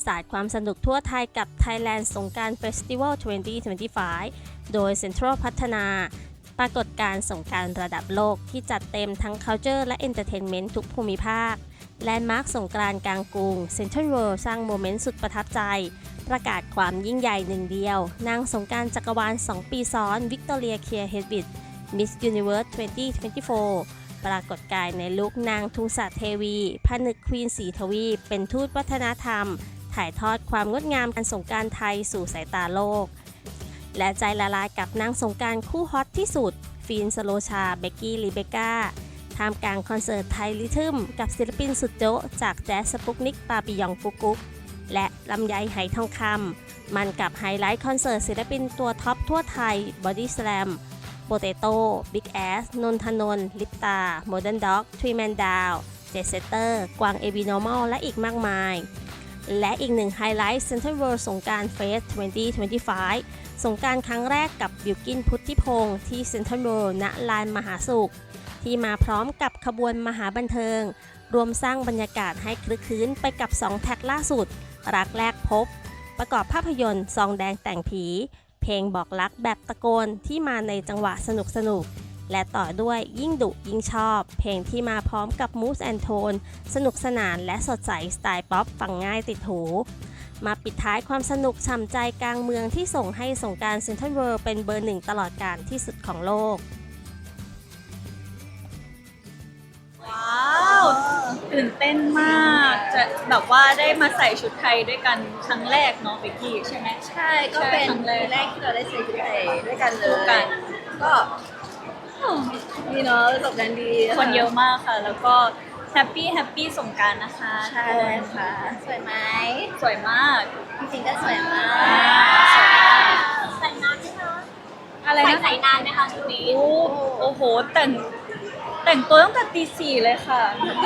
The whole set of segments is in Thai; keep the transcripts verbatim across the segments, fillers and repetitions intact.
สาดความสนุกทั่วไทยกับ Thailand สงกรานต์ Festival สองพันยี่สิบห้า โดย Central พัฒนา ปรากฏการณ์สงกรานต์ระดับโลกที่จัดเต็มทั้ง Culture และ Entertainment ทุกภูมิภาค แลนด์มาร์คสงกรานต์กลางกรุง Central World สร้างโมเมนต์สุดประทับใจ ประกาศความยิ่งใหญ่หนึ่งเดียวนางสงกรานต์จักรวาล สอง ปีซ้อน วิกตอเรีย เคียร์ เฮดวิด Miss Universe สองพันยี่สิบสี่ ปรากฏกายในลุคนางทุงศเทวีผนึกควีนสีทวีปเป็นทูตวัฒนธรรม ถ่ายทอดความงดงามการสงกรานต์ไทยสู่สายตาโลก และใจละลายกับนางสงกรานต์คู่ฮอตที่สุด ฟีน สโลชา เบกกี้ ลิเบกาท่ามกลางคอนเสิร์ตไทยลิทึมกับศิลปินสุดโจ๊ะจากแจ๊สสปุกนิก ปาปิยองฟุกุกและลำไยไหทองคำมันกับไฮไลท์คอนเสิร์ตศิลปินตัวท็อปทั่วไทย บอดี้สแลม โปเตโต้ บิ๊กแอส นนทนนท์ ลิปตา โมเดิร์นด็อก ทรีแมนดาว เจสเซเตอร์ กวางเอวีนอร์มอลและอีกมากมาย และอีกหนึ่งไฮไลท์ Central World สงกรานต์เฟส สองพันยี่สิบห้า สงกรานต์ครั้งแรกกับบิลกินพุทธิพงศ์ที่ Central World ณ ลานมหาสุข ที่มาพร้อมกับขบวนมหาบันเทิง รวมสร้างบรรยากาศให้คลึกคลื้นไปกับสองแท็กล่าสุด รักแรกพบ ประกอบภาพยนตร์ซองแดงแต่งผี เพลงบอกรักแบบตะโกนที่มาในจังหวะสนุกสนุกและต่อด้วยยิ่งดุยิ่งชอบ เพลงที่มาพร้อมกับมูสแอนโทนสนุกสนานและสดใสสไตล์ป๊อปฟังง่ายติดหู มาปิดท้ายความสนุกฉ่ำใจกลางเมืองที่ส่งให้สงกรานต์ Central World เป็นเบอร์หนึ่งตลอดกาลที่สุดของโลกว้าวตื่นเต้นมากจะแบบว่าได้มาใส่ชุดไทยด้วยกันครั้งแรกเนาะเบกกี้ใช่ไหมใช่ก็เป็นใช่ครั้งแรกปีแรกที่เราได้ใส่ชุดไทยด้วยกันเลคู่กัยนก็ดีเนาะประสบการณ์ดีคนเยอะมากค่ะ แล้วก็แฮปปี้แฮปปี้สงกรานต์นะคะใช่ค่ะ สวยไหมสวยมากจริงๆก็สวยมากใส่นานไหมคะอะไรใส่นะใส่นานไหมคะชุดนี้โอ้โอ้โหแต่งแต่งตัวตั้งแต่ตีสี่เลยค่ะ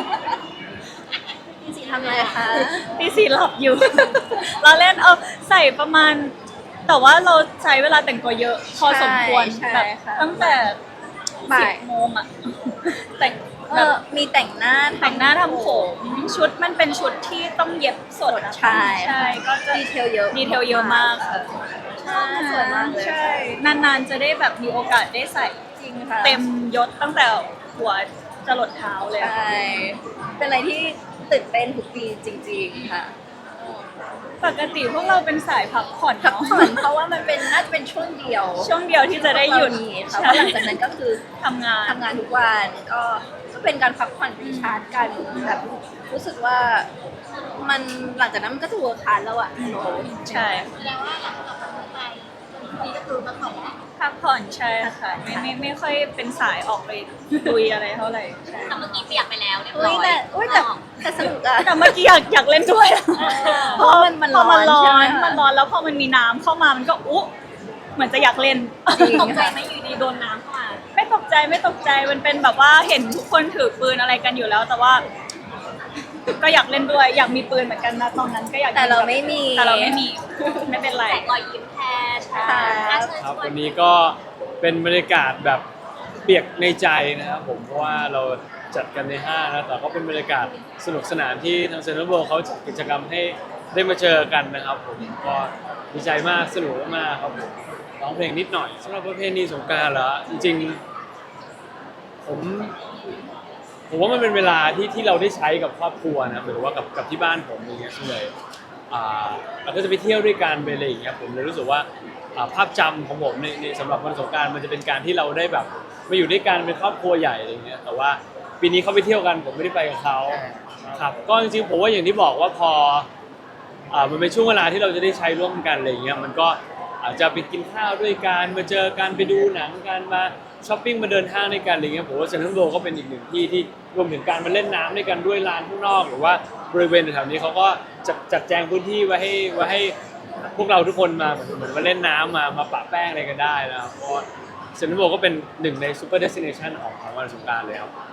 จริงๆทำอะไรคะตีสี่หลับอยู่ เราเล่นเอาใส่ประมาณ แต่ว่าเราใช้เวลาแต่งตัวเยอะพอสมควรใช่แบบค่ะตั้งแต่บ่าสิบยโมงอะแต่งเอแบบอมีแต่งหน้าแต่งหน้าทำผมชุดมันเป็นชุดที่ต้องเย็บสดนะคะใช่ใช่ก็จะดีเทลเยอะดีเทลเยอะมากค่ะใช่สวยมากเลยใช่นานๆจะได้แบบมีโอกาสได้ใส่จริงค่ะเต็มยศตั้งแต่หัวจะหลดเท้าเลยใช่เป็นอะไรที่ตื่นเต้นทุกปีจริงๆค่ะปกติพวกเราเป็นสายพักผ่อนพักเนาะผ่อนเพราะว่ามันเป็นน่าจะเป็นช่วงเดียวช่วงเดียวที่จะได้หยุดมีค่ะใช่เพราะหลังจากนั้นก็คือทำงานทำงานทุกวันก็ก็เป็นการพักผ่อนรีชาร์จกันแบบรู้สึกว่ามันหลังจากนั้นมันก็จะเวิร์คฮาร์ดแล้วอะใช่แสดงว่าหลังจากกลับมาไทยนี่ก็คือมาขอแล้วพักผ่อนใช่ค่ะไม่ไม่ไม่ค่อยเป็นสายออกไปลุยอะไรเท่าไหร่ใช่แต่เมื่อกี้เปียกไปแล้วเรียบร้เฮ้อย ยแต่เฮ้ยแต่แต่สนุกอะแต่เมื่อกี้อยากอยากเล่นด้วยอะเพราะมันมันพอมันร้ร้ออน นใช่ไหมมันร้อนแล้วพอมันมีน้ำเข้ามามันก็อุ๊เหมือนจะอยากเล่นจริงตกใจไหมอยู่ดีโดนน้ำเข้ามาไม่ตกใจไม่ตกใจมันเป็นแบบว่าเห็นทุกคนถือปืนอะไรกันอยู่แล้ว แต่ว่า ก็อยากเล่นด้วย อยากมีปืนเหมือนกันนะตอนนั้นก็อยากแต่เราไม่มีแต่เราไม่มี ไม่เป็นไรแต่รอยยิ้มแทนใช่อ่ะเชิญครับชววัน นนี้ก็เป็นบรรยากาศแบบเปียกในใจนะครับผมเพราะว่าเราจัดกันในห้างนะแต่ก็เป็นบรรยากาศสนุกสนานที่ทางเซ็นทรัลเวิลด์เขาจัดกิจกรรมให้ได้มาเจอกันนะครับผมก็ดีใจมากสนุกมากครับผมร้องเพลงนิดหน่อยสำหรับประเพณีสงกรานต์เหรอจริงๆผมผมว่ามันเป็นเวลาที่ที่เราได้ใช้กับครอบครัวนะหรือว่ากับกับที่บ้านผมอย่างเงี้ยส่วนใหญ่อ่าเราก็จะไปเที่ยวด้วยกันไปอะไรอย่างเงี้ยผมเลยรู้สึกว่า อ่าภาพจำของผมในในสำหรับวันสงกรานต์มันจะเป็นการที่เราได้แบบมาอยู่ด้วยกันเป็นครอบครัวใหญ่อะไรเงี้ยแต่ว่าปีนี้เขาไปเที่ยวกันผมไม่ได้ไปกับเขาครับก็จริงๆผมว่าอย่างที่บอกว่าพออ่ามันเป็นช่วงเวลาที่เราจะได้ใช้ร่วมกันอะไรเงี้ยมันก็อาจจะไปกินข้าวด้วยกันมาเจอกันไปดูหนังกันมาช้อปปิ้งมาเดินห้างด้วยกันอะไรเงี้ยผมว่าเซ็นทรัลเวิลด์ก็เป็นอีกหนึ่งที่ที่รวมถึงการมาเล่นน้ำด้วยกันด้วยลานข้างนอกหรือว่าบริเวณแถวๆนี้เขาก็จัดจัดแจงพื้นที่ไว้ให้ไว้ให้ พวกเราทุกคนมาเหมือนเหมือนมาเล่นน้ำมามาปะแป้งอะไรกันได้นะครับเพราะเซ็นทรัลเวิลด์ก็เป็นหนึ่งในซูเปอร์เดสติเนชันของของวันสงกรานต์เลยครับ